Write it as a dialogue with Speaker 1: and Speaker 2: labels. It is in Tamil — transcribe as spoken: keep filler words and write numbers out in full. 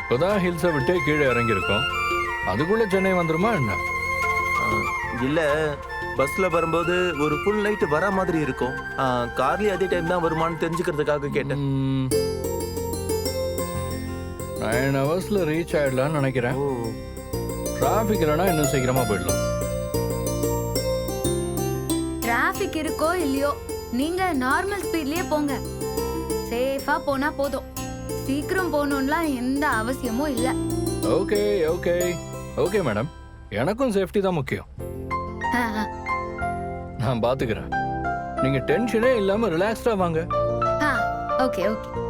Speaker 1: இப்போதான் ஹில்ஸை விட்டு கீழே இறங்கியிருக்கோம். அதுக்குள்ள சென்னை வந்துருமா என்ன?
Speaker 2: இல்ல, பஸ்ல வரும்போது ஒரு ஃபுல் நைட் வர மாதிரி இருக்கும். கார்லயே அதே டைம் தான் வருமானு தெரிஞ்சுக்கிறதுக்காக கேட்டேன்.
Speaker 1: நைன் ஹவர்ஸ்ல ரீச் ஆயிடலாம்னு நினைக்கிறேன். டிராஃபிக் இல்லைன்னா இன்னும் சீக்கிரமா போயிடலாம்.
Speaker 3: டிராஃபிக் இருக்கோ இல்லையோ, நீங்க நார்மல் ஸ்பீட்லயே போங்க. சேஃபா போனா போதும். சீக்கிரம் போகணும்லாம் எந்த அவசியமும் இல்ல.
Speaker 1: ஓகே ஓகே ஓகே மேடம், எனக்கும் சேஃப்டி தான் முக்கியம். நான் பாத்துக்கிறேன். நீங்க டென்ஷனே இல்லாம ரிலாக்ஸ்டா வாங்க.
Speaker 3: Okay okay